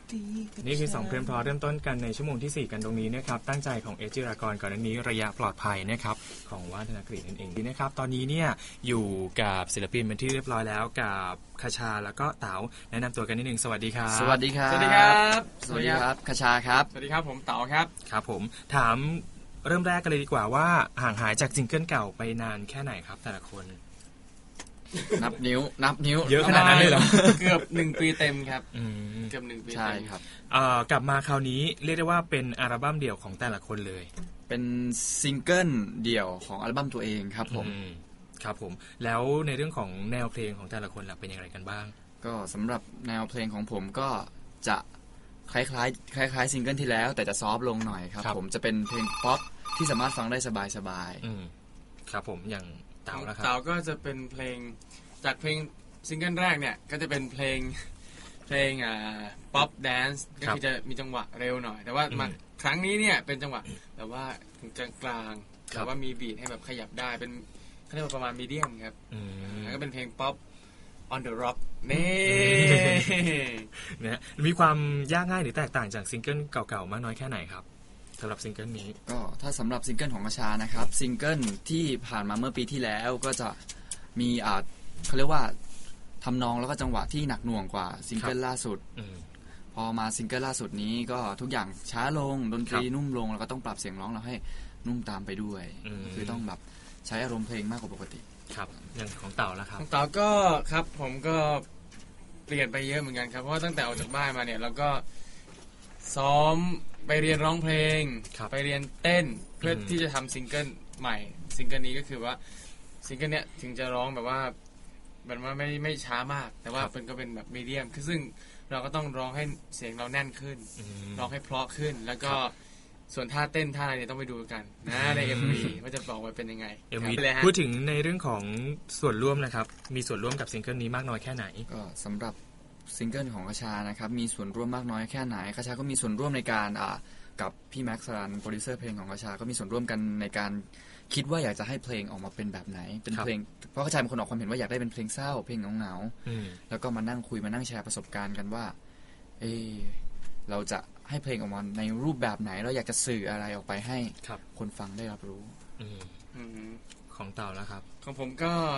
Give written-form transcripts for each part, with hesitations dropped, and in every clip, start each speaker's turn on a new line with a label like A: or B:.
A: นี่คือ2เพลงเพราะเริ่มต้นกันในชั่วโมงที่4กันตรงนี้นะครับตั้งใจของเอจิรากรก่อนหน้านี้ระยะปลอดภัยนะครับของว่านธนกฤษนั่นเองนะครับตอนนี้เนี่ยอยู่กับศิลปินเป็นที่เรียบร้อยแล้วกับคชาแล้วก็เต๋าแนะนำตัวกันนิดนึงสวัสดีครับ
B: สวัสดีครับ
C: สวัสดีครับ
B: สวัสดีครับคชาครับ
C: สวัสดีครับผมเต๋าครับ
A: ครับผมถามเริ่มแรกกันเลยดีกว่าว่าห่างหายจากซิงเกิลเก่าไปนานแค่ไหนครับแต่ละคน
B: นับนิ้ว
A: เยอะขนาดนั้นเลยเหรอ
C: เกือบ1ปีเต็มครับเกือบ1ปี
B: ใช่ครับ
A: กลับมาคราวนี้เรียกได้ว่าเป็นอัลบั้มเดี่ยวของแต่ละคนเลย
B: เป็นซิงเกิลเดี่ยวของอัลบั้มตัวเองครับผม
A: ครับผมแล้วในเรื่องของแนวเพลงของแต่ละคนล่ะเป็นอย่างไรกันบ้าง
B: ก็สำหรับแนวเพลงของผมก็จะคล้ายซิงเกิลที่แล้วแต่จะซอฟต์ลงหน่อยครับผมจะเป็นเพลงป๊อปที่สามารถฟังได้สบาย
A: ๆครับผมอย่างเต๋านะครับ
C: เต๋าก็จะเป็นเพลงจากเพลงซิงเกิลแรกเนี่ยก็จะเป็นเพลงป๊อปแดนซ์ก็คือจะมีจังหวะเร็วหน่อยแต่ว่ามาครั้งนี้เนี่ยเป็นจังหวะแบบว่าถึงกลางแต่ว่ามีบีทให้แบบขยับได้เป็นเขาเรียกว่าประมาณมีเดียมครับแล้วก็เป็นเพลงป๊อป on the rock นี่
A: นะมีความยากง่ายหรือแตกต่างจากซิงเกิลเก่าๆมากน้อยแค่ไหนครับสำหรับซิงเกิลนี้
B: ก็ถ้าสำหรับซิงเกิลของกระชานะครับซิงเกิลที่ผ่านมาเมื่อปีที่แล้วก็จะมีเขาเรียกว่าทำนองแล้วก็จังหวะที่หนักหน่วงกว่าซิงเกิลล่าสุดพอมาซิงเกิลล่าสุดนี้ก็ทุกอย่างช้าลงดนตรีนุ่มลงแล้วก็ต้องปรับเสียงร้องเราให้นุ่มตามไปด้วยคือต้องแบบใช้อารมณ์เพลงมากกว่าปกติ
A: ครับอย่างของเต่าแล้วครับ
C: ของเต่าก็ครับผมก็เปลี่ยนไปเยอะเหมือนกันครับเพราะว่าตั้งแต่ออกจากบ้านมาเนี่ยเราก็ซ้อมไปเรียนร้องเพลงไปเรียนเต้นเพื่อที่จะทำซิงเกิลใหม่ซิงเกิลนี้ก็คือว่าซิงเกิลเนี้ยถึงจะร้องแบบว่ามันว่าไม่ช้ามากแต่ว่าเป็นก็เป็นแบบมีเดียมซึ่งเราก็ต้องร้องให้เสียงเราแน่นขึ้นร้องให้เพราะขึ้นแล้วก็ส่วนท่าเต้นท่าอะไรเนี่ยต้องไปดูกันนะใน MV ว่าจะบอกว่าเป็นยังไง
A: MV พูดถึงในเรื่องของส่วนร่วมนะครับมีส่วนร่วมกับซิงเกิลนี้มากน้อยแค่ไหน
B: ก็สำหรับซิงเกิลของกระชานะครับมีส่วนร่วมมากน้อยแค่ไหนกระชาก็มีส่วนร่วมในการกับพี่แม็กซ์สรันโปรดิวเซอร์เพลงของกระชาก็มีส่วนร่วมกันในการคิดว่าอยากจะให้เพลงออกมาเป็นแบบไหนเป็นเพลงเพราะกระชาเป็นคนออกความเห็นว่าอยากได้เป็นเพลงเศร้าเพลงเหงาๆแล้วก็มานั่งคุยมานั่งแชร์ประสบการณ์กันว่าเราจะให้เพลงออกมาในรูปแบบไหนเราอยากจะสื่ออะไรออกไปให้คนฟังได้รับรู้
A: ของเต่าแล้วครับ
C: ของผม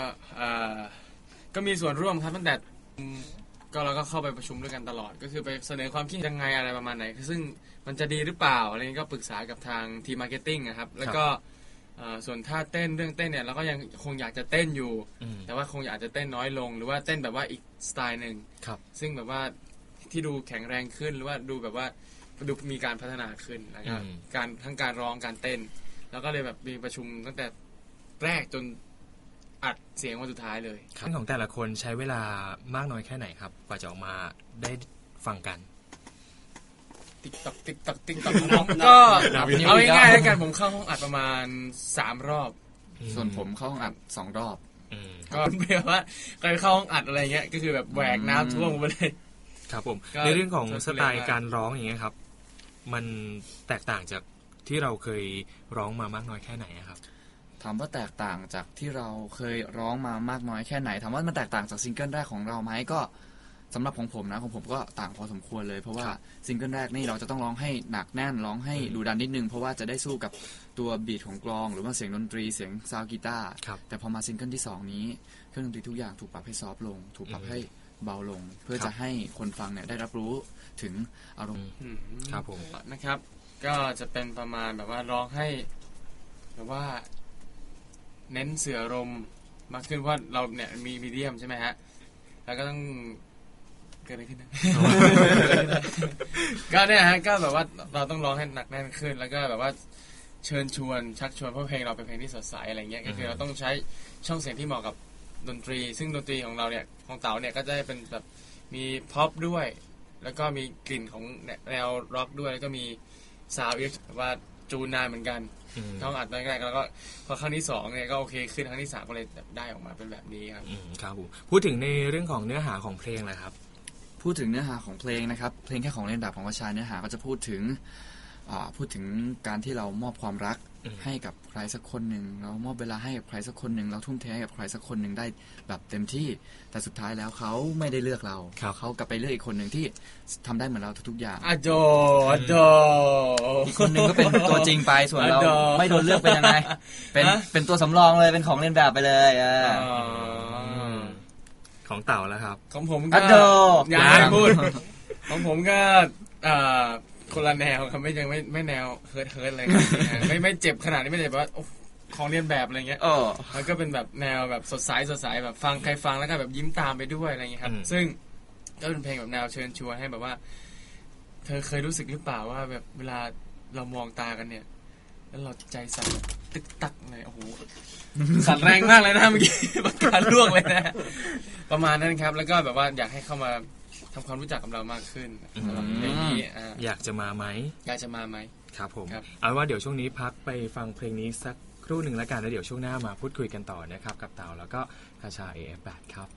C: ก็มีส่วนร่วมครับตั้งแต่ก็เราก็เข้าไปประชุมด้วยกันตลอดก็คือไปเสนอความคิดยังไงอะไรประมาณไหนซึ่งมันจะดีหรือเปล่าอะไรนี้ก็ปรึกษากับทางทีมมาร์เก็ตติ้งนะครับแล้วก็ส่วนท่าเต้นเรื่องเต้นเนี่ยเราก็ยังคงอยากจะเต้นอยู่แต่ว่าคงอยากจะเต้นน้อยลงหรือว่าเต้นแบบว่าอีกสไตล์นึงซึ่งแบบว่าที่ดูแข็งแรงขึ้นหรือว่าดูแบบว่าดูมีการพัฒนาขึ้นแล้วก็ทั้งการร้องการเต้นแล้วก็เลยแบบมีประชุมตั้งแต่แรกจนอัดเสียงวันสุดท้ายเลย
A: เรื่องของแต่ละคนใช้เวลามากน้อยแค่ไหนครับกว่าจะออกมาได้ฟังกัน
C: ติ๊กต๊อกผมก็เอาง่ายๆแล้วกันผมเข้าห้องอัดประมาณ3 รอบ
B: ส่วนผมเข้าห้องอัด2 รอบ
C: ก็แปลว่าเคยเข้าห้องอัดอะไรเงี้ยก็คือแบบแหวกน้ำท่วมไปเลย
A: ครับผมในเรื่องของสไตล์การร้องอย่างเงี้ยครับมันแตกต่างจากที่เราเคยร้องมามากน้อยแค่ไหนครับ
B: ถามว่าแตกต่างจากที่เราเคยร้องมามากน้อยแค่ไหนถามว่ามันแตกต่างจากซิงเกิลแรกของเราไหมก็สำหรับของผมนะของผมก็ต่างพอสมควรเลยเพราะว่าซิงเกิลแรกนี่เราจะต้องร้องให้หนักแน่นร้องให้ดุดันนิดนึงเพราะว่าจะได้สู้กับตัวบีทของกลองหรือว่าเสียงดนตรีเสียงซาวด์กีตาร์แต่พอมาซิงเกิลที่2นี้เครื่องดนตรีทุกอย่างถูกปรับให้ซอฟต์ลงถูกปรับให้เบาลงเพื่อจะให้คนฟังเนี่ยได้รับรู้ถึงอารมณ์
A: ครับผม
C: นะครับก็จะเป็นประมาณแบบว่าร้องให้แบบว่าเน้นเสื่ออารมณ์มากขึ้นว่าเราเนี่ยมีมีเดียมใช่ไหมฮะแล้วก็ต้องเกิดอะไรขึ้นนะก็เนี่ยฮะก็แบบว่าเราต้องร้องให้หนักแน่นขึ้นแล้วก็แบบว่าเชิญชวนชักชวนเพราะเพลงเราเป็นเพลงที่สดใสอะไรเงี้ยก็คือเราต้องใช้ช่องเสียงที่เหมาะกับดนตรีซึ่งดนตรีของเราเนี่ยของเต๋าเนี่ยก็จะเป็นแบบมีพ็อปด้วยแล้วก็มีกลิ่นของแนวร็อกด้วยแล้วก็มีซาวด์ว่าจูนนานเหมือนกันต้องอัดแรกๆแล้วก็พอครั้งที่2เนี่ยก็โอเคขึ้นครั้งที่3ก็เลยได้ออกมาเป็นแบบนี้ครับ
A: ครับผมพูดถึงในเรื่องของเนื้อหาของเพลงนะครับ
B: พูดถึงเนื้อหาของเพลงนะครับเพลงแค่ของเล่นดับของวชาเนื้อหาก็จะพูดถึงพูดถึงการที่เรามอบความรักให้กับใครสักคนหนึ่งเรามอบเวลาให้กับใครสักคนหนึ่งเราทุ่มเทให้กับใครสักคนหนึ่งได้แบบเต็มที่แต่สุดท้ายแล้วเขาไม่ได้เลือกเราเขากลับไปเลือกอีกคนหนึ่งที่ทำได้เหมือนเราทุกๆอย่าง
C: อโด
B: อีกคนหนึ่งก็เป็นตัวจริงไปส่วนเราไม่โดนเลือกเป็นยังไงเป็นตัวสำรองเลยเป็นของเล่นแบบไปเลย
A: ของเต่าแล้วครับ
C: ของผมก็อย่าพูดของผมก็คนละแนวครับไม่แนวเฮิร์ทอะไรไม่เจ็บขนาดนี้ไม่เจ็บว่าของเรียนแบบอะไรเงี้ยมันก็เป็นแบบแนวแบบสดใสแบบฟังใครฟังแล้วก็แบบยิ้มตามไปด้วยอะไรเงี้ยครับซึ่งก็เป็นเพลงแบบแนวเชิญชวนให้แบบว่าเธอเคยรู้สึกหรือเปล่าว่าแบบเวลาเรามองตากันเนี่ยแล้วเราใจสั่นตึกตักเลยโอ้โหสั่นแรงมากเลยนะเมื่อกี้ปากกาล่วงเลยนะประมาณนั้นครับแล้วก็แบบว่าอยากให้เข้ามาทำความรู้จักกับเรามากขึ้นสำหรับเพลงนี้
A: อยากจะมาไหม
C: ครับ
A: ผมเอาว่าเดี๋ยวช่วงนี้พักไปฟังเพลงนี้สักครู่หนึ่งแล้วกันแล้วเดี๋ยวช่วงหน้ามาพูดคุยกันต่อนะครับกับเต่าแล้วก็คาชา AF8 ครับ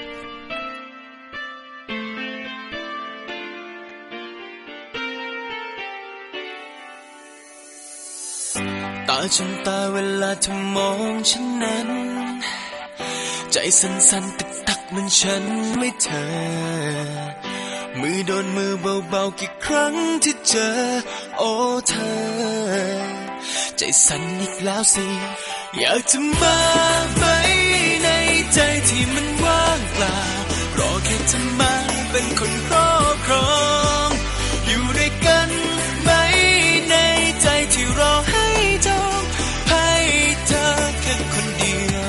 D: ตาจนตาเวลาเธอมองฉันนั้นใจสั่นๆตึกตักเหมือนฉันไม่เธอมือโดนมือเบาๆกี่ครั้งที่เจอโอ้เธอใจสั่นอีกแล้วสิอยากจะมาไหมในใจที่มันว่างเปล่ารอแค่เธอมาเป็นคนครอบครองอยู่ด้วยกันไหมในใจที่รอให้จองให้เธอแค่คนเดียว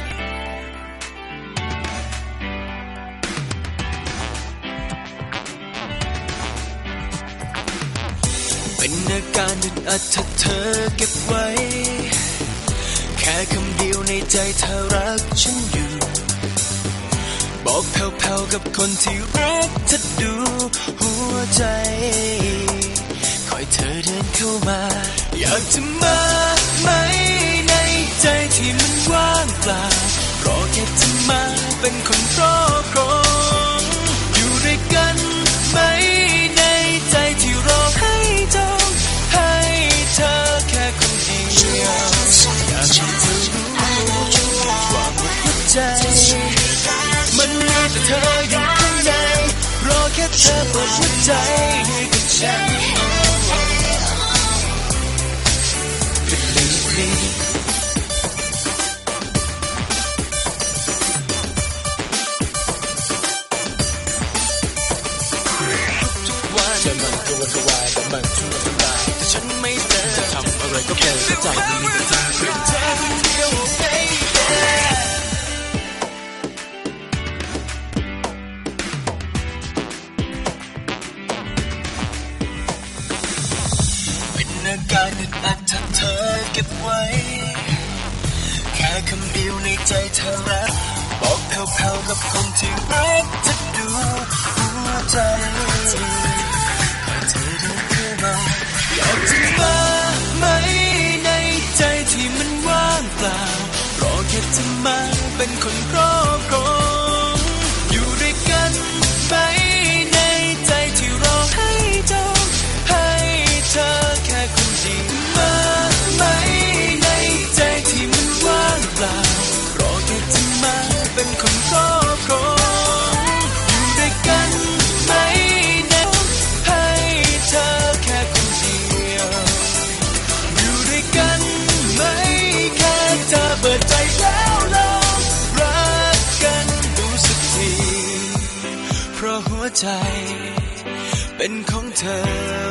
D: เป็นอาการอึดอัดถ้าเธอเก็บไว้แค่คำเดียวในใจเธอรักฉันอยู่บอกแผ่วๆกับคนที่รักเธอดูหัวใจคอยเธอเดินเข้ามาอยากจะมาไหมในใจที่มันว่างเปล่ารอแค่เธอมาเป็นคนครอบครองอยู่ด้วยกันไหมในใจที่รอให้จองให้เธอแค่คนเดียวอยากให้เธอรู้ว่าหมดหัวใจมันมีแต่เธออยู่ข้างในรอแค่เธอเปิดหัวใจให้กับฉันฉันไม่เลิกจะทำอะไรก็เป็นใจมันมีแต่เธอเป็นเธอคนเดียวเป็นอาการอึดอัดถ้าเธอเก็บไว้แค่คำเดียวในใจเธอรักบอกแผ่วๆกับคนที่รักจะดูหัวใจเธอเดินเข้ามาอยากจะมาไหมในใจที่มันว่างเปล่ารอแค่เธอมาเป็นคนครอบครองอยู่ด้วยกันไหมในใจที่รอให้จองให้เธอแค่คนเดียวมาไหมในใจที่มันว่างเปล่ารอแค่เธอมาเป็นคนครอบครองอยู่ด้วยกันไหมให้เธอแค่คนเดียวอยู่ด้วยกันไหมแค่เธอเปิดใจแล้วลองรักกันดูสักทีเพราะหัวใจเป็นของเธอ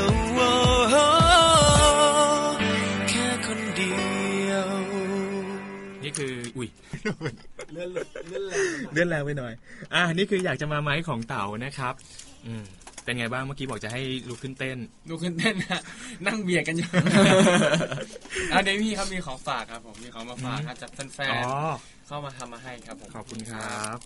D: แค่คนเดียว
A: นี่คือเลื่อนแรงไปหน่อยนี่คืออยากจะมาไหมของเต่านะครับเป็นไงบ้างเมื่อกี้บอกจะให้ลุกขึ้นเต้น
C: นะนั่งเบียดกันอยู่เดี๋ยวพี่ครับมีของฝากครับผมมีของมาฝากครับจากแฟนๆเข้ามาทำมาให้ครับผม
A: ขอบคุณครับ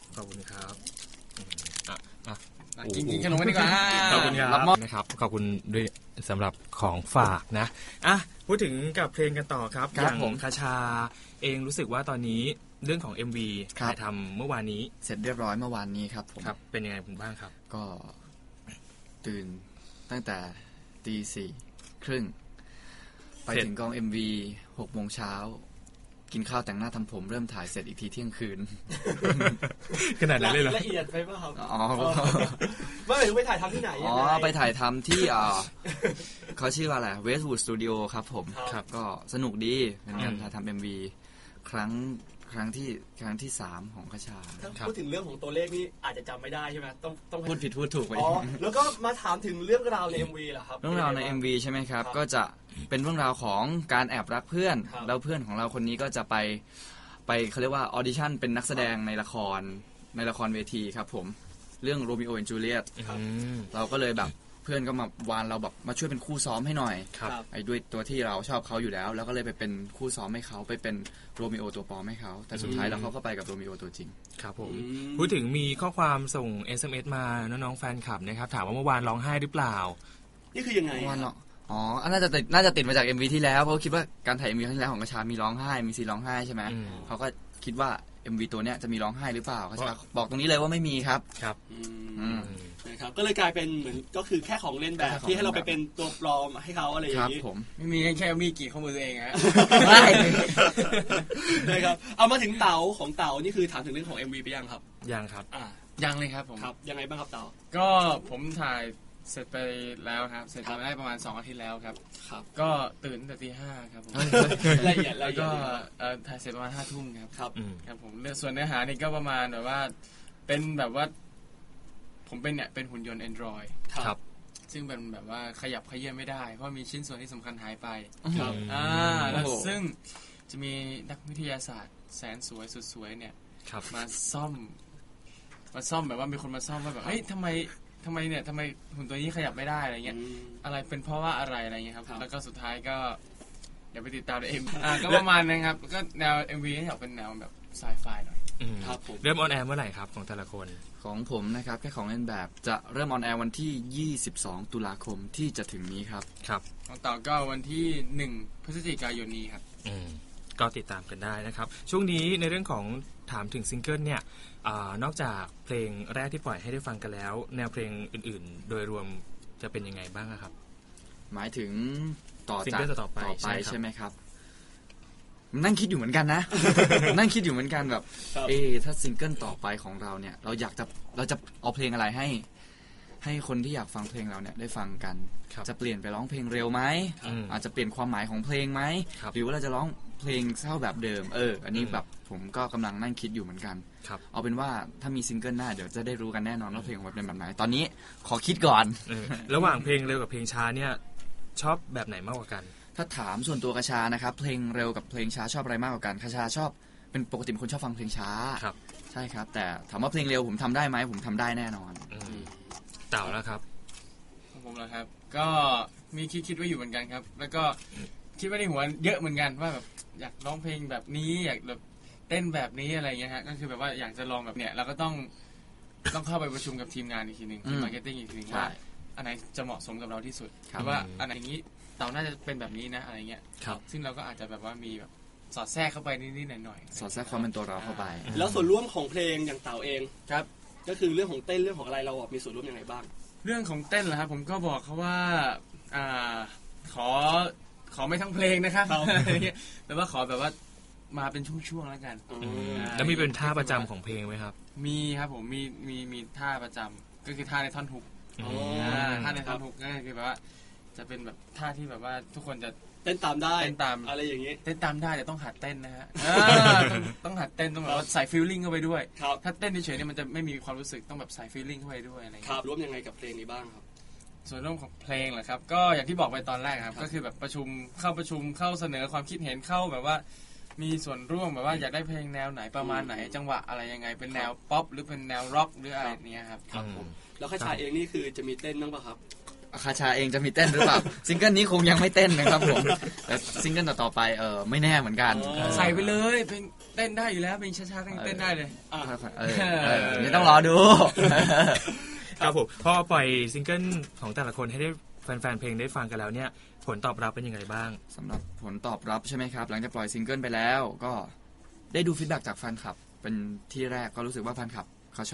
C: กินขนมกันดีกว่า
A: ขอบคุณครับนะครับขอบคุณด้วยสำหรับของฝากนะพูดถึงกับเพลงกันต่อครับอย่างคาชาเองรู้สึกว่าตอนนี้เรื่องของ MV ถ่ายทำเมื่อวานนี้
B: เสร็จเรียบร้อยเมื่อวานนี้ครับผม
A: เป็นยังไงบ้างครับ
B: ก็ตื่นตั้งแต่ 4:30 ไปถึงกอง MV 6 โมงเช้ากินข้าวแต่งหน้าทำผมเริ่มถ่ายเสร็จอีกทีเที่ยงคืน
A: ขนาดนั้นเลยเหรอ
E: ละเอียดไปป่ะครับ
B: อ๋อ
E: ว่าไปถ่ายทำที่ไหน
B: อ๋อไปถ่ายทำที่เขาชื่อว่าอะไร Westwood Studio ครับผม
E: ครับ
B: ก็สนุกดีเป็นการถ่ายทำ MV ครั้งที่ 3 ของคชา
E: ถ้าพูดถึงเรื่องของตัวเลขนี่อาจจะจำไม่ได้ใช่ไหมต้อง
B: พูดผิดพูดถูกไป
E: อ๋อแล้วก็มาถามถึงเรื่องราวใน MV เหรอครับ
B: เรื่องราวใน MV ใช่ไหมครับ
E: ครับ
B: ก็จะเป็นเรื่องราวของการแอบรักเพื่อน
E: ครับ
B: แล้วเพื่อนของเราคนนี้ก็จะไปเขาเรียกว่าออดิชั่นเป็นนักแสดงในละครเวทีครับผมเรื่อง Romeo and Juliet
A: อืม
B: เราก็เลยแบบเพื่อนก็มาวานเราแบบมาช่วยเป็นคู่ซ้อมให้หน่อย
A: ครับ
B: ไอ้ด้วยตัวที่เราชอบเขาอยู่แล้วแล้วก็เลยไปเป็นคู่ซ้อมให้เขาไปเป็นโรมิโอตัวปลอมให้เขาแต่สุดท้ายแล้วเขาก็ไปกับโรมิโอตัวจริง
A: ครับผม
E: อืม
A: พูดถึงมีข้อความส่ง SMS มาน้องๆแฟนคลับนะครับถามว่าเมื่อวานร้องไห้หรือเปล่า
E: นี่คือยังไง
B: วันเนาะอ๋อน่าจะติดมาจาก MV ที่แล้วเพราะคิดว่าการถ่าย MV ครั้งที่แล้วของกระชามีร้องไห้มีซีนร้องไห้ใช่ไหม
A: อืม
B: เขาก็คิดว่า MV ตัวเนี้ยจะมีร้องไห้หรือเปล่ากระชาบอกตรงนี้เลยว่าไม่มีครับ
A: ครับ
E: อื
B: อื
E: ม
B: ม
E: นะครับก็เลยกลายเป็นเหมือนก็คือแค่ของเล่นแบบ
B: แค่ของ
E: ที่ให้เราไป
B: เล่นแบบ
E: เป็นตัวปลอมให้เขาอะไรอ
B: ค
E: ย่า
B: รับ
E: งนี้
B: ผม
C: ไม่มีแค่มีกี่ข้อมือตัวเองฮะ
E: นะครับเอามาถึงเต๋าของเต๋านี่คือถามถึงเรื่องของ MV ไปยังครับ
A: ยังครับ
C: ยังเลยครับผม
E: ครับยังไงบ้างครับเต๋า
C: ก็ผมถ่ายเสร็จไปแล้วครับ เสร็จมาได้ประมาณ2 อาทิตย์แล้วครับ
E: ครับ
C: ก็ตื่นตั้งแต่ตี 5ครับผม
E: ละเอียดละ
C: แล้ว
E: เอีย
C: ก็
E: ด
C: ถ่ายเสร็จประมาณ5 ทุ่มครับ
E: ครับ
A: อืม
C: ครับผมส่วนเนื้อหานี่ก็ประมาณแบบว่า เป็นแบบว่า ผมเป็นหุ่นยนต์ Android
A: ครับ
C: ซึ่งเป็นแบบว่าขยับขยื่นไม่ได้ เพราะมีชิ้นส่วนที่สำคัญหายไป
E: ครับ
C: แล้ว
B: โอ้โห
C: ซึ่งจะมีนักวิทยาศาสตร์แสนสวยสุดสวยเนี่ย
A: ครับ
C: มาซ่อมแบบว่ามีคนมาซ่อมว่าแบบเฮ้ยทำไมหุ่นตัวนี้ขยับไม่ได้อะไรเงี้ย อะไรเป็นเพราะว่าอะไรอะไรเงี้ยครับ
E: ครับ
C: แล้วก็สุดท้ายก็เดี๋ยวไปติดตามในก็ประมาณนั้นครับก็แนว MV นี่อยากเป็นแนวแบบไซไฟหน่อย
A: อืม
E: ครับผม
A: เริ่มออนแอร์เมื่อไหร่ครับของแต่ละคน
B: ของผมนะครับแค่ของเล่นแบบจะเริ่มออนแอร์วันที่ 22 ตุลาคมที่จะถึงนี้ครับ
A: ครับ
C: ของต่อก็วันที่1 พฤศจิกายนนี้ครับ
A: อืมก็ติดตามกันได้นะครับ ช่วงนี้ในเรื่องของถามถึงซิงเกิลเนี่ยนอกจากเพลงแรกที่ปล่อยให้ได้ฟังกันแล้ว แนวเพลงอื่นๆ โดยรวมจะเป็นยังไงบ้างอะครับ
B: หมายถึงต่อ
A: ซิง
B: จาก
A: เกิลต่อไปใช่ครับ
B: ใช่ไหมครับ นั่งคิดอยู่เหมือนกันนะ นั่งคิดอยู่เหมือนกันแบบ
E: ครับ
B: ถ้าซิงเกิลต่อไปของเราเนี่ย เราจะเอาเพลงอะไรให้คนที่อยากฟังเพลงเราเนี่ยได้ฟังกัน
A: ครับ
B: จะเปลี่ยนไปร้องเพลงเร็วไหม
A: อืม
B: อาจจะเปลี่ยนความหมายของเพลงไหม
A: ครับ
B: หรือว่าเราจะร้องเพลงเศร้าแบบเดิมอันนี้แบบผมก็กำลังนั่งคิดอยู่เหมือนกัน
A: ครับ
B: เอาเป็นว่าถ้ามีซิงเกิลหน้าเดี๋ยวจะได้รู้กันแน่นอนว่าเพลงของเราเป็นแบบไหนตอนนี้ขอคิดก่อน
A: ระหว่างเพลงเร็วกับเพลงช้าเนี่ยชอบแบบไหนมากกว่ากัน
B: ถ้าถามส่วนตัวกระชานะครับเพลงเร็วกับเพลงช้าชอบอะไรมากกว่ากันกระชาชอบเป็นปกติเป็นคนชอบฟังเพลงช้า
A: ครับ
B: ใช่ครับ แต่ถามว่าเพลงเร็วผมทำได้ไหมผมทำได้แน่นอน
A: อืมเต่าแล้วครับ
C: ของผมแล้วครับ ก็มีคิดไว้อยู่เหมือนกันครับ แล้วก็คิดไว้ในหัวเยอะเหมือนกันว่าแบบอยากร้องเพลงแบบนี้อยากแบบเต้นแบบนี้อะไรเงี้ยฮะก็คือแบบว่าอยากจะลองแบบเนี้ยเราก็ต้องเข้าไปประชุมกับทีมงานอีกทีหนึ่งทีมมาร์เก็ตติ้งอีกทีหนึ่ง
B: ใช่
C: ว่าอันไหนจะเหมาะสมกับเราที่สุด
B: ครับ
C: หรือว่าอันไหนนี้เต่าน่าจะเป็นแบบนี้นะอะไรเงี้ย
A: ครับ
C: ซึ่งเราก็อาจจะแบบว่ามีแบบสอดแทรกเข้าไปนิดๆหน่อยๆ
B: สอดแทรกความเป็นตัวเราเข้าไป
E: แล้วส่วนร่วมของเพลงอย่างเต๋าเอง
C: ครับ
E: ก็คือเรื่องของเต้นเรื่องของอะไรเรามีส่วนร่วมยังไงบ้าง
C: เรื่องของเต้นเหรอครับผมก็บอกเขาว่าขอไม่ทั้งเพลงนะครับ
E: ครับ
C: อะไรเงี้ยแต่ว่าขอแบบว่ามาเป็นช่วงๆแล้วกัน
A: แล้วมีเป็นท่าประจำของเพลงไหมครับ
C: มีครับผมมีท่าประจำก็คือท่าในท่อนฮุก
E: อ๋อ
C: ท่าในท่อนฮุกก็คือแบบว่าจะเป็นแบบท่าที่แบบว่าทุกคนจะ
E: เต้นตามได้
C: เต้นตาม
E: อะไรอย่างนี้
C: เต้นตามได้แต่ต้องหัดเต้นนะฮะต้องหัดเต้นต้องแบบว่าใส่ฟีลลิ่งเข้าไปด้วย
E: ครับ
C: ถ้าเต้นเฉยๆเนี่ยมันจะไม่มีความรู้สึกต้องแบบใส่ฟีลลิ่งเข้าไปด้วยอะไรอย่าง
E: ค
C: เงี้ย
E: รับร่วมยังไงกับเพลงนี้บ้างครับ
C: ส่วนร่วมของเพลงเหรอครับ ก็อย่างที่บอกไปตอนแรกครับ ก็คือแบบประชุมเข้าเสนอความคิดเห็นเข้าแบบว่า มีส่วนร่วมแบบว่าอยากได้เพลงแนวไหนประมาณไหนจังหวะอะไรยังไงเป็นแนวป๊อปหรือเป็นแนวร็อกหรืออะไรเนี้ยครับ
E: ครับผมแล้วข้าชายเองนี่คือจะมีเต้นบ้างป่ะครับ
B: คาชาเองจะมีเต้นหรือเปล่า ซิงเกิลนี้คงยังไม่เต้นนะครับผมแต่ซิงเกิลต่อๆไปไม่แน่เหมือนกัน
E: อ๋อ
C: ใส่ไปเลยเพลงเต้นได้อยู่แล้วเพลงช้าๆก็ยังเต้นได้เลย
E: อ่ะ
B: นี่ต้องรอดู
A: ครับผมพอปล่อยซิงเกิลของแต่ละคนให้ได้แฟนๆเพลงได้ฟังกันแล้วเนี่ยผลตอบรับเป็นยังไงบ้าง
B: สำหรับผลตอบรับใช่ไหมครับ หลังจากปล่อยซิงเกิลไปแล้วก็ได้ดูฟีดแบ็กจากแฟนคลับ เป็นที่แรกก็รู้สึกว่าแฟนคลับเขาชอบ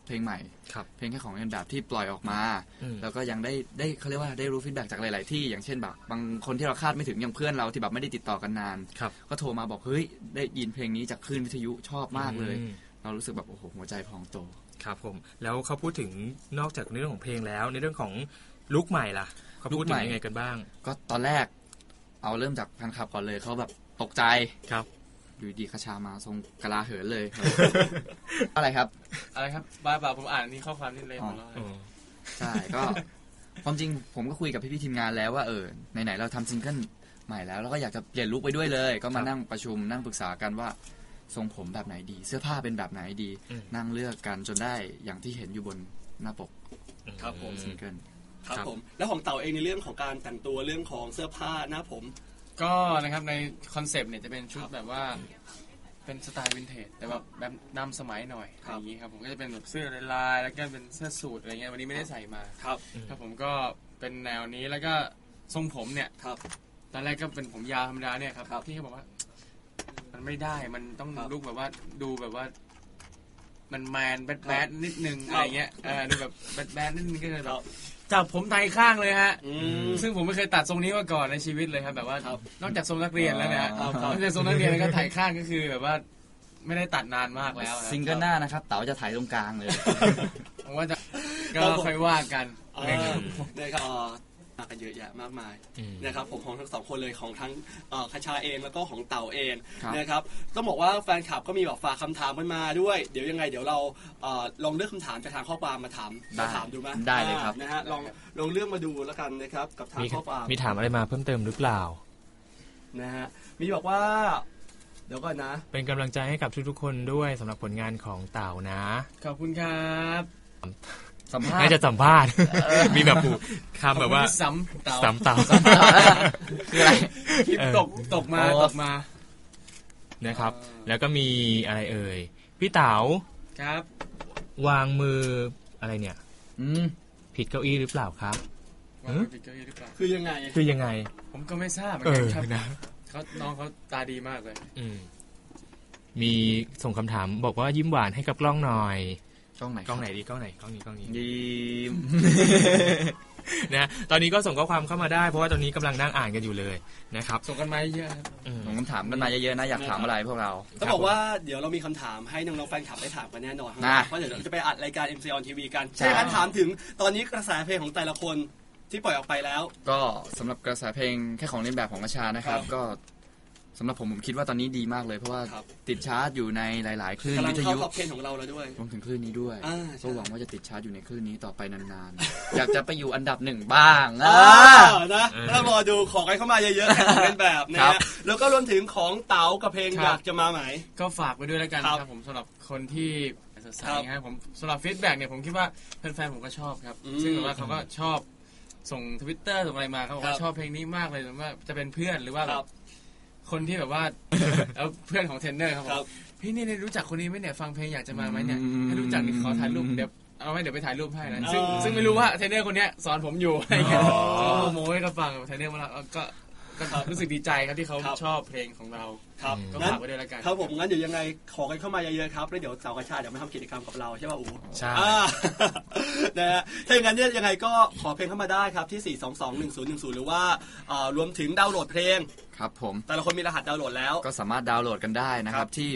B: เพลงใหม่
A: ครับ
B: เพลงแค่ของเล่นแบบที่ปล่อยออกมา
A: อืม
B: แล้วก็ยังได้เขาเรียกว่าได้รู้ฟีดแบ็กจากหลาย ๆ ที่อย่างเช่นแบบบางคนที่เราคาดไม่ถึงอย่างเพื่อนเราที่แบบไม่ได้ติดต่อกันนาน
A: ครับ
B: ก็โทรมาบอกเฮ้ยได้ยินเพลงนี้จากคลื่นวิทยุชอบมากเลย
A: อืม
B: เรารู้สึกแบบโอ้โหหัวใจพองโต
A: ครับผมแล้วเขาพูดถึงนอกจากในเรื่องของเพลงแล้วในเรื่องของลุคใหม่ล่ะเขาพูดถึงยังไงกันบ้าง
B: ก็ตอนแรกเอาเริ่มจากแฟนคลับก่อนเลยเขาแบบตกใจ
A: ครับ
B: อยู่ดีคชามาทรงกะลาเหินเลย อะไรครับ
C: อะไรครับบ้าเปล่าผมอ่านนี่ข้อความนี่เลยหมดแล้ว
B: ใช่ก็ ความจริงผมก็คุยกับพี่ๆทีมงานแล้วว่าไหนๆเราทำซิงเกิลใหม่แล้วเราก็อยากจะเปลี่ยนลุคไปด้วยเลย ก็มานั่งประชุมนั่งปรึกษากันว่าทรงผมแบบไหนดี เสื้อผ้าเป็นแบบไหนดี นั่งเลือกกันจนได้อย่างที่เห็นอยู่บนหน้าปก
E: ครับผม
B: ซิงเกิล
E: ครับผมแล้วของเต่าเองในเรื่องของการแต่งตัวเรื่องของเสื้อผ้าหน้าผม
C: ก็นะครับในคอนเซปต์เนี่ยจะเป็นชุดแบบว่าเป็นสไตล์วินเทจแต่แบบนำสมัยหน่อยอะไรอย่างนี้ครับผมก็จะเป็นแบบเสื้อลายๆแล้วก็เป็นเสื้อสูทอะไรเงี้ยวันนี้ไม่ได้ใส่มา
E: ครับ
C: ครับผมก็เป็นแนวนี้แล้วก็ทรงผมเนี่ย
E: ครับ
C: ตอนแรกก็เป็นผมยาวธรรมดาเนี่ยครับ
E: ครับ
C: พี่เขาบอกว่า มันไม่ได้มันต้อง
E: ครับ
C: ลุกแบบว่าดูแบบว่า มันแมนแบด
E: ค
C: แบ
E: รั
C: ด
E: บ
C: นิดนึงอะไรเงี้ยดูแบบแบดแบดนิดนึงก็เลย
E: ค
C: แบ
E: รั
C: บบ จับผมไทยข้างเลยฮะ
E: อืม
C: ซึ่งผมไม่เคยตัดทรงนี้มาก่อนในชีวิตเลยครับ แบบว่า
E: ครับ
C: นอกจากทรงนักเรียนแล้วเนี่ย
E: ครับ
C: นอกจากทรงนักเรียนแล้วก็ไถข้างก็คือแบบว่า ไม่ได้ตัดนานมากแล้วนะ
B: ซิงเกิลหน้านะครับเต๋าจะถ่ายตรงกลางเลย
C: ผมว่าจะก็ค่อยว่ากัน
E: นะครับมากันเยอะแยะมากมาย
A: อืม
E: นะครับผมของทั้งสองคนเลยของทั้งคชาเองแล้วก็ของเต่าเอง
B: ครับ
E: นะครับต้องบอกว่าแฟนคลับก็มีแบบฝากคำถามกันมาด้วยเดี๋ยวยังไงเดี๋ยวเราลองเลือกคำถามจากทางข้อความมาถามดูไหม
B: ได้เลยครับ
E: นะฮะลองเลือกมาดูแล้วกันนะครับกับทางข้อความ
A: มีถามอะไรมาเพิ่มเติมหรือเปล่า
E: นะฮะมีบอกว่า เดี๋ยวก่อนนะ
A: เป็นกำลังใจให้กับทุกๆคนด้วยสำหรับผลงานของเต่านะ
C: ขอบคุณครับ
B: สัมภาษ
A: น่า
B: ณ์
A: จะสัมภาษณ์ มีแบบผูกคำแบบว่า
C: ขอบคุณที่ซ้ำเต๋า
A: สามเต่า
B: คืออะไร
C: คลิปตกมา
B: อ๋อ
C: ตกมา
A: นะครับ แล้วก็มีอะไรเอ่ยพี่เต๋า
C: ครับ
A: วางมืออะไรเนี่ย
B: อืม
A: ผิดเก้าอี้หรือเปล่าครับ
C: วางไว้ผิดเก้าอี้หรือเปล่า
E: คือยังไง
A: คือยังไง
C: ผมก็ไม่ทราบเหมือนกันครับ
A: นะ
C: น้องเขาตาดีมากเลย
A: มีส่งคำถามบอกว่ายิ้มหวานให้กับกล้องหน่อย
B: กล้องไหน
A: กล้องไหนดีกล้องไหนกล้องนี้กล้องนี้
B: ยิ้ม
A: นะตอนนี้ก็ส่งข้อความเข้ามาได้เพราะว่าตอนนี้กำลังนั่งอ่านกันอยู่เลยนะครับ
C: ส่งกันมาเยอะครับ
A: อืม
B: ส่งคำถามกันมาเยอะๆนะอยากถามอะไรพวกเรา
E: ต้องบอกว่าเดี๋ยวเรามีคำถามให้น้องๆแฟนคลับได้ถามกันแน่นอนครับ
B: นะ
E: เพราะเดี๋ยวเราจะไปอัดรายการ MC on TV กัน
B: ใช่
E: ใช่การถามถึงตอนนี้กระแสเพลงของแต่ละคนที่ปล่อยออกไปแล้ว
B: ก็สำหรับกระแสเพลงแค่ของเล่นแบบของกระชานะครับ
E: ครับ
B: ก็สำหรับผมคิดว่าตอนนี้ดีมากเลยเพราะว่า
E: ครับ
B: ติดชาร์ตอยู่ในหลาย ๆ คลื่น
E: กำลั
B: วิ
E: ง
B: ท
E: เข้า
B: ยุ
E: ท็อป10ของเราแล้วด้วย
B: รวมถึงคลื่นนี้ด้วย
E: อ่าใช่
B: ก็หวังว่าจะติดชาร์ตอยู่ในคลื่นนี้ต่อไปนานๆ อยากจะไปอยู่อันดับหนึ่งบ้าง
E: นะแล้วรอดูขอกันเข้ามาเยอะๆของเล่นแบบนะ
B: ครั
E: ฮะ
B: บ
E: แล้วก็รวมถึงของเต๋ากับเพลง
C: ครับ
E: อยากจะมาไหม
C: ก็ฝากไว้ด้วยแล้วกัน
E: ครับ
C: ครับผมสำหรับคนที่สดใส
E: ครับ
C: นะครับผมสำหรับฟีดแบ็กเนี่ยผมคิดว่าแฟนๆผมก็ชอบครับ
E: อืม
C: ซึ่งแบบว่าเขาก็ชอบส่ง Twitter ส่งอะไรมาเขาบอก
E: ครั
C: ว่า
E: บ
C: ชอบเพลงนี้มากเลยหรือว่าจะเป็นเพื่อนหรือว่า
E: ค
C: แบ
E: รั
C: บบ คนที่แบบว่า แล้วเพื่อนของเทรนเนอร์ครับผ
E: ครั
C: ม
E: บ
C: พี่นี่รู้จักคนนี้ไหมเนี่ยฟังเพลงอยากจะมาไหมเนี่ยให้รู้จักนี่ขอถ่ายรูปเดี๋ยวเอาไว้เดี๋ยวไปถ่ายรูปให้นะซึ่งไม่รู้ว่าเทรนเนอร์คนเนี้ยสอนผมอยู่อะไรเงี้ยเขาก็โมให้เขาฟังเทรนเนอร์มาแล้วก็รู้สึกดีใจครับที่เขาชอบเพลงของเรา
E: ครับ
C: ก็
E: งั้น
C: ฝากไว้ด้วยแล้วกัน
E: ครับผมงั้นเดี๋ยวยังไงขอกันเข้ามาเยอะๆครับแล้วเดี๋ยวเสาร์กระชาเดี๋ยวมาทำกิจกรรมกับเราใช่ป่ะอู๋
A: ใช่
E: นะฮะถ้าอย่างนั้นเนี่ยยังไงก็ขอเพลงเข้ามาได้ครับที่ 4221010 หรือว่ารวมถึงดาวน์โหลดเพลง
B: ครับผม
E: แต่ละคนมีรหัสดาวน์โหลดแล้ว
B: ก็สามารถดาวน์โหลดกันได้นะครับที่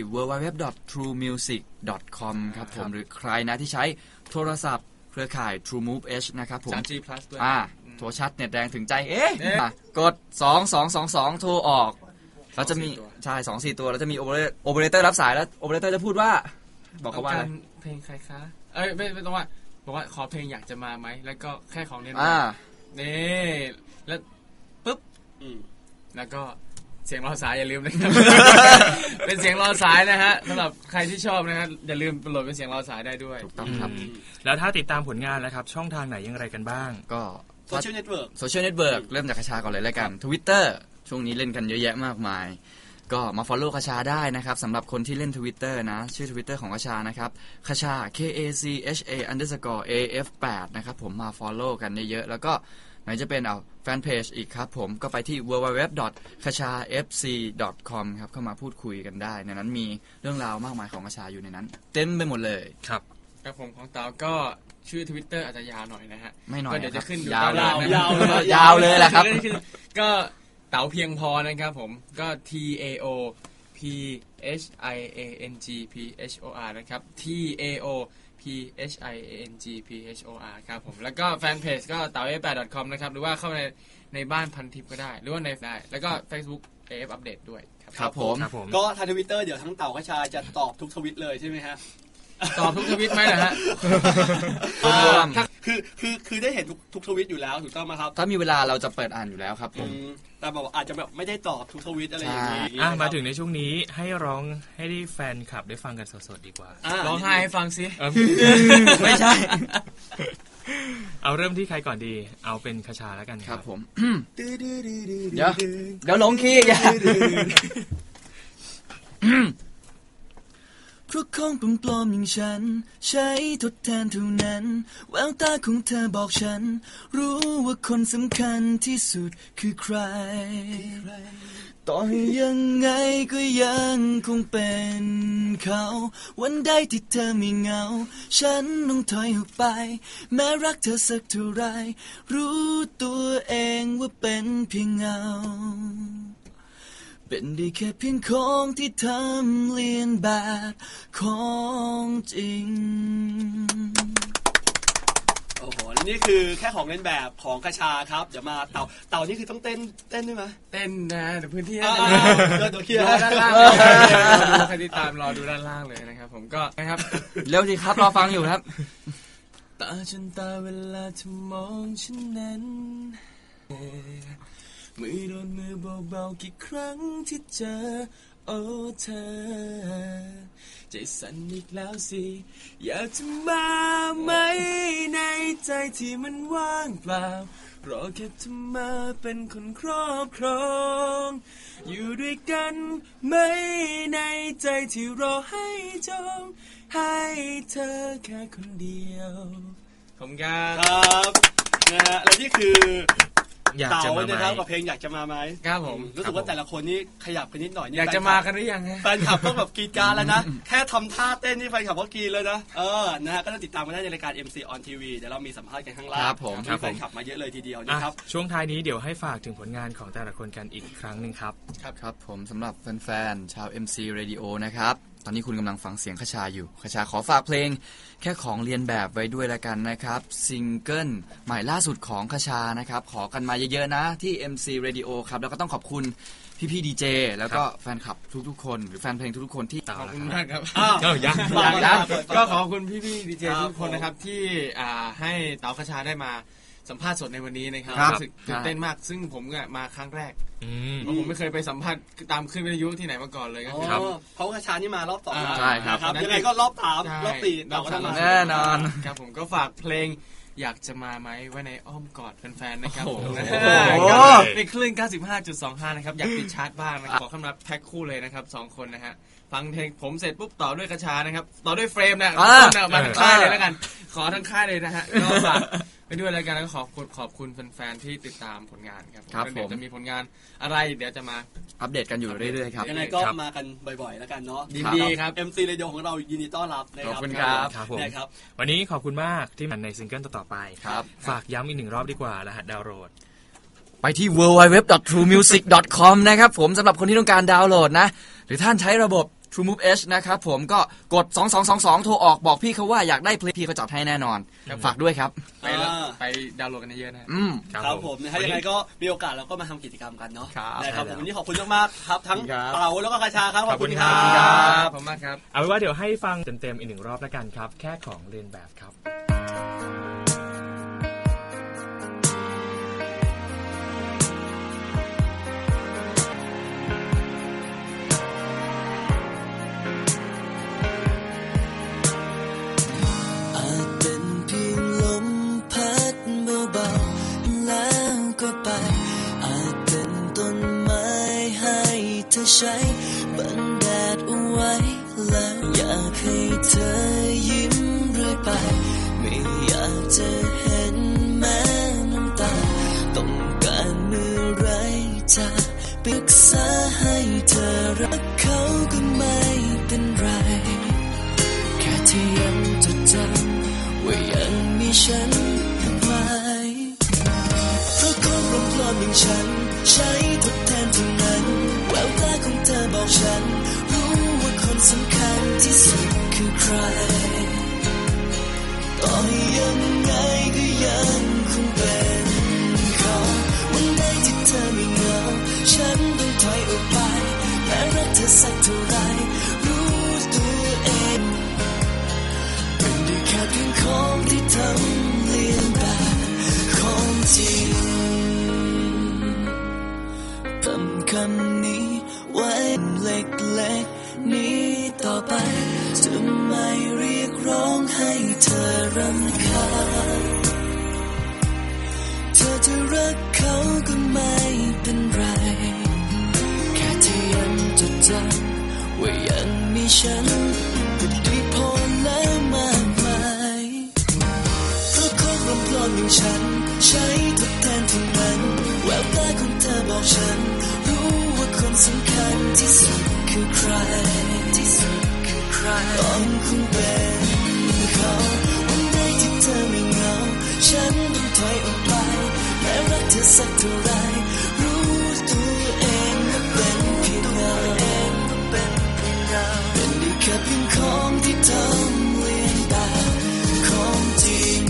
B: www.truemusic.com ครับผมหรือใครนะที่ใช้โทรศัพท์เครือข่าย True Move H นะครับผม
C: 3G Plus ด้วย
B: โทรชัดเน็ตแรงถึงใจกด 2222 โทรออกแล้วจะมีใช่2-4 ตัวแล้วจะมีโอเปอเรเตอร์รับสายแล้วโอเปอเรเตอร์จะพูดว่าบอกเขาว่าอะไร
C: เพลงใครคะไม่ต้องว่าบอกว่าขอเพลงอยากจะมาไหมแล้วก็แค่ของเน้น นี่แล้วปุ๊บ
E: อืม
C: แล้วก็เสียงรอสายอย่าลืมนะครับ เป็นเสียงรอสายนะฮะสำหรับใครที่ชอบนะครับอย่าลืมโหลดเป็นเสียงรอสายได้ด้วย
B: ถูกต้องครับ
A: แล้วถ้าติดตามผลงานแล้วครับ ช่องทางไหนอย่างไรกันบ้าง
B: ก็
E: โซเชียลเน็ตเวิร์ก
B: โซเชียลเน็ตเวิร์กเริ่มจากคชาก่อนเลยแล้วกัน Twitter ช่วงนี้เล่นกันเยอะแยะมากมาย ก็มา follow คชาได้นะครับสำหรับคนที่เล่น Twitter นะ ชื่อ Twitter ของคชานะครับคชา KACHA_AF8 นะครับผมมา follow กันเยอะๆแล้วก็ไหนจะเป็นแฟนเพจอีกครับผมก็ไปที่ www.kachafc.com ครับเข้ามาพูดคุยกันได้ในนั้นมีเรื่องราวมากมายของคชาอยู่ในนั้น เต็มไปหมดเลย
A: ครับ
C: ครับผมของเต๋าก็ชื่อ Twitter อาจจะยาวหน่อยนะฮะ
B: ไม่หน่อย
C: ก็เดี๋ยวจะขึ้นอยู่
B: ยาว
C: ด้านล่างนะ
B: ยาวเลยแหละครับ
C: ก็เต๋าเพียงพอนะครับผมก็ TAO PHIANGPHOR นะครับ TAO PHIANGPHOR ครับผมแล้วก็แฟนเพจก็เต๋า f8.com นะครับหรือว่าเข้าในบ้านพันทิปก็ได้หรือว่าในได้แล้วก็ Facebook AF อัปเดตด้วย
B: ครับผม
E: ก็ทางทวิตเตอร์เดี๋ยวทั้งเต่ากระชาจะตอบทุกทวิตเลยใช่ไหมฮะ
C: ตอบทุกทวิตไหมนะฮะ
E: คือได้เห็นทุกทวิตอยู่แล้วถูกต้องไหมครับ
B: ถ้ามีเวลาเราจะเปิดอ่านอยู่แล้วครับผม
E: แต่แบบอาจจะแบบไม่ได้ตอบทุกทวิตอะไรอย่างนี้
A: มาถึงในช่วงนี้ให้ร้องให้ได้แฟนคลับได้ฟังกันสดๆดีกว่า
C: ร้องไห้ให้ฟังสิ
B: ไม่ใช่
A: เอาเริ่มที่ใครก่อนดีเอาเป็นคชาแล้วกัน
B: ครับผมเดี๋ยวหลงคีย์อย่าเพราะของปลอมๆอย่างฉันใช้ทดแทนเท่านั้นแววตาของเธอบอกฉันรู้ว่าคนสำคัญที่สุดคือใครต่อให้ยังไงก็ยังคงเป็นเขาวันใดที่เธอไม่เหงาฉันต้องถอยออกไปแม้รักเธอสักเท่าไรรู้ตัวเองว่าเป็นเพียงเงาเป็นได้แค่เพียงของที่ทำเลียนแบบของจริง
E: โอ้โหนี่คือแค่ของเล่นแบบของกระชาครับเดี๋ยวมาเต่านี่คือต้องเต้นด้วยไหม
C: เต้นนะเดี๋ยวพื้นที่
E: เดี๋ยวเคลียร์
C: ด้านล่างใครติดตามรอดูด้านล่างเลยนะครับผมก็นะครับ
B: เร็วสิครับรอฟังอยู่ครับ
D: ตาฉันตาเวลาเธอมองฉันนั้นมือโดนมือเบาๆกี่ครั้งที่เจอโอ้เธอใจสั่นอีกแล้วสิอยากจะมาไหมในใจที่มันว่างเปล่ารอแค่เธอมาเป็นคนครอบครองอยู่ด้วยกันไหมในใจที่รอให้จองให้เธอแค่คนเดียว
C: ผมครับ
E: นะฮะและนี่คือ
A: อยากจะมาไหม
E: กับเพลงอยากจะมาไหม
C: ครับผม
E: รู้สึกว่าแต่ละคนนี่ขยับกันนิดหน่อย
C: อยากจะมากันหรือยัง
E: แฟนคลับต้องแบบกรีดกรารแล้วนะแค่ทำท่าเต้นนี่แฟนคลับก็กรีดเลยนะนะฮะก็ต้องติดตามกันได้ในรายการ MC on TV เดี๋ยวเรามีสัมภาษณ์กันข้างล่างมีแฟนคลับมาเยอะเลยทีเดียวนะครับ
A: ช่วงท้ายนี้เดี๋ยวให้ฝากถึงผลงานของแต่ละคนกันอีกครั้งนึงครับ
B: ครับผมสำหรับแฟนๆชาว MC Radio นะครับตอนนี้คุณกำลังฟังเสียงคชาอยู่คชาขอฝากเพลงแค่ของเรียนแบบไว้ด้วยละกันนะครับซิงเกิลใหม่ล่าสุดของคชานะครับขอกันมาเยอะๆนะที่ MC Radio ครับแล้วก็ต้องขอบคุณพี่ๆดีเจแล้วก็แฟนคลับทุกๆคนหรือแฟนเพลงทุกๆคนที่
C: ขอบคุณมากครับ
A: ยัง
C: ก็ขอบคุณพี่ๆดีเจทุกคนนะครับที่ให้เต๋าคชาได้มาสัมภาษณ์สดในวันนี้นะครับรู้สึกตื่นเต้นมากซึ่งผมก็มาครั้งแรกผมไม่เคยไปสัมภาษณ์ตามขึ้นวิทยุที่ไหนมาก่อนเลยครับ
E: เพราะกระชานี่มารอบ2
B: ใช่ครับ
E: ยังไงก็รอบ3รอบ4
B: เราก็มาแน่นอน
C: ครับผมก็ฝากเพลงอยากจะมาไหมไว้ในอ้อมกอดแฟนๆนะครับผมในคลื่น 95.25 นะครับอยากติดชาร์ตบ้างนะขอคำนับแพ็คคู่เลยนะครับ2คนนะฮะฟังเพลงผมเสร็จปุ๊บต่อด้วยกระชานะครับต่อด้วยเฟรมนะมาทั้งค่ายเลยแล้วกันขอทั้งค่ายเลยนะฮะก็ฝากไปด้วยรายการแล้วก็ขอบคุณแฟนๆที่ติดตามผลงานครับเดี๋ยวจะมีผลงานอะไรเดี๋ยวจะมา
B: อัปเดตกันอยู่เรื่อยๆครับ
E: ยังไงก็มากันบ่อยๆแล้วกันเนาะ
C: ดีครับ
E: MC Radio ของเรายินดีต้อนรับนะครับ
B: ขอบคุณครับ
A: วันนี้ขอบคุณมากที่มาในซิงเกิลต่อไปฝากย้ำอีก1รอบดีกว่ารหัสดาวน์โหลด
B: ไปที่ www.truemusic.com นะครับผมสำหรับคนที่ต้องการดาวน์โหลดนะหรือท่านใช้ระบบTrueMove H นะครับผมก็กด2222โทรออกบอกพี่เขาว่าอยากได้เพลงพี่เขาจัดให้แน่นอนฝากด้วยครับ
C: ไปดาวน์โหลดกันเยอะ
E: นะครับผมนะฮะยังไงก็มีโอกาสเราก็มาทำกิจกรรมกันเนาะนะครับผมวันนี้ขอบคุณมากๆครับทั้งเต่าแล้วก็กระชาครับขอบคุณครับ
C: ขอบคุณมากครับ
A: เอาไว้ว่าเดี๋ยวให้ฟังเต็มๆอีก1รอบแล้วกันครับแค่ของเรียนแบบครับ
D: ใช้บังแดดเอาไว้แล้วอยากให้เธอยิ้มเรื่อยไปไม่อยากจะเห็นแม้น้ำตาต้องการเมื่อไรจะปรึกษาให้เธอรักเขาก็ไม่เป็นไรแค่ที่ยังจดจำมอย่างฉันใช้ทดแทนเท่านั้นแววตาของเธอบอกฉันรู้ว่าคนสำคัญที่สุดคือใครต่อให้ยังไงก็ยังคงเป็นเขาวันใดที่เธอไม่เหงาฉันต้องถอยออกไปแม้รักเธอสักเท่าไรรู้ตัวเองเป็นได้แค่เพียงของที่ทำเลียนแบบของจริงจำคำนี้ไว้เล็กๆนี้ต่อไปจะไม่เรียกร้องให้เธอรำคาญเธอจะรักเขาก็ไม่เป็นไรแค่เธอยังจดจำว่ายังมีฉันก็ดีพอแล้วมากมายเพราะคนรำพลอนอย่างฉันใช้ทดแทนเท่านั้นแววตาของเธอบอกฉันรู้ว่าคนสำคัญที่สุดคือใครต้องคงเป็นเขาวันใดที่เธอไม่เหงาฉันต้องถอยออกไปแม้รักเธอสักเท่าไรรู้ตัวเองว่าเป็นเพียงเงาเป็นได้แค่เพียงของที่ทำเลียนแบบของจริง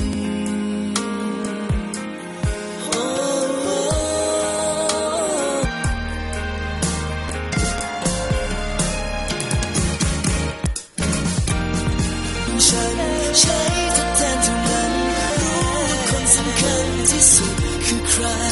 D: ฉันใช้ทดแทนเท่านั้นรู้ว่าคนสำคัญที่สุดคือใคร